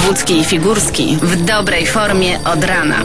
Wojewódzki i Figurski w dobrej formie od rana.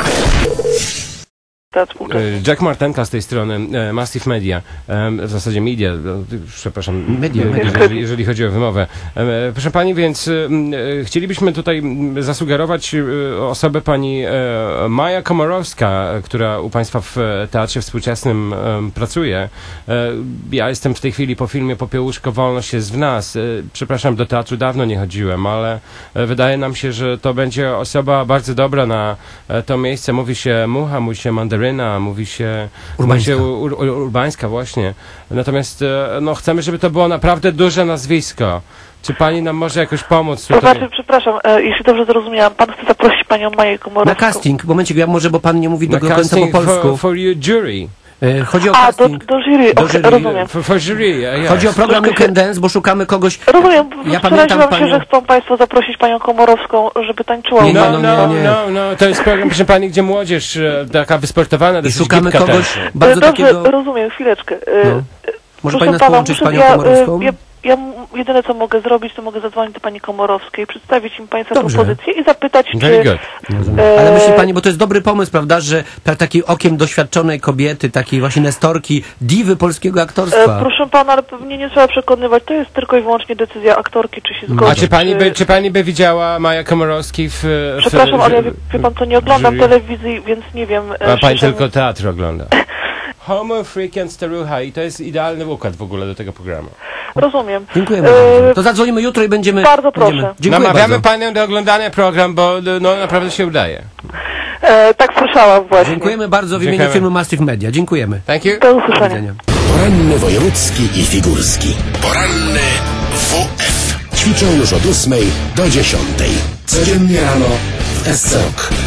Jack Martenka z tej strony, Massive Media, w zasadzie media, przepraszam, media. Jeżeli chodzi o wymowę. Proszę pani, więc chcielibyśmy tutaj zasugerować osobę pani Maja Komorowska, która u państwa w Teatrze Współczesnym pracuje. Ja jestem w tej chwili po filmie Popiełuszko, wolność jest w nas. Przepraszam, do teatru dawno nie chodziłem, ale wydaje nam się, że to będzie osoba bardzo dobra na to miejsce. Mówi się mucha, mówi się mandaryna, mówi się Urbańska właśnie. Natomiast no, chcemy, żeby to było naprawdę duże nazwisko. Czy pani nam może jakoś pomóc tutaj? To znaczy, przepraszam, jeśli dobrze zrozumiałam, pan chce zaprosić panią Maję Komorowską. Na casting, momencik, może, bo pan nie mówi do końca po polsku. For your jury. Chodzi o casting. Do jury, rozumiem. For jury, yes. Chodzi o program You Can Dance, bo szukamy kogoś... Rozumiem, ja pamiętam się, że chcą państwo zaprosić panią Komorowską, żeby tańczyła. No, to jest program, proszę pani, gdzie młodzież taka wysportowana, i szukamy kogoś też. bardzo Dobrze, takiego... rozumiem, chwileczkę. No. Może pani nas połączyć z panią Komorowską? Ja jedyne co mogę zrobić, to mogę zadzwonić do pani Komorowskiej, przedstawić im państwa propozycję i zapytać, czy... Ale myśli pani, bo to jest dobry pomysł, prawda, że takim okiem doświadczonej kobiety, takiej właśnie nestorki, diwy polskiego aktorstwa. Proszę pana, ale pewnie nie trzeba przekonywać, to jest tylko i wyłącznie decyzja aktorki, czy się zgodzi. A czy pani by widziała Maja Komorowski Przepraszam, ale wie pan co, nie oglądam telewizji, więc nie wiem... A pani tylko teatr ogląda. Homo, freak and starucha i to jest idealny układ w ogóle do tego programu. Rozumiem. Dziękujemy bardzo. To zadzwonimy jutro i będziemy... Bardzo proszę. Namawiamy panią do oglądania program, bo no naprawdę się udaje. Tak słyszałam właśnie. Dziękujemy bardzo w imieniu firmy Massive Media. Dziękujemy. Thank you. Do usłyszenia. Poranny wojewódzki i figurski. Poranny WF. Ćwiczą już od 8 do 10. Codziennie rano w SC Rock.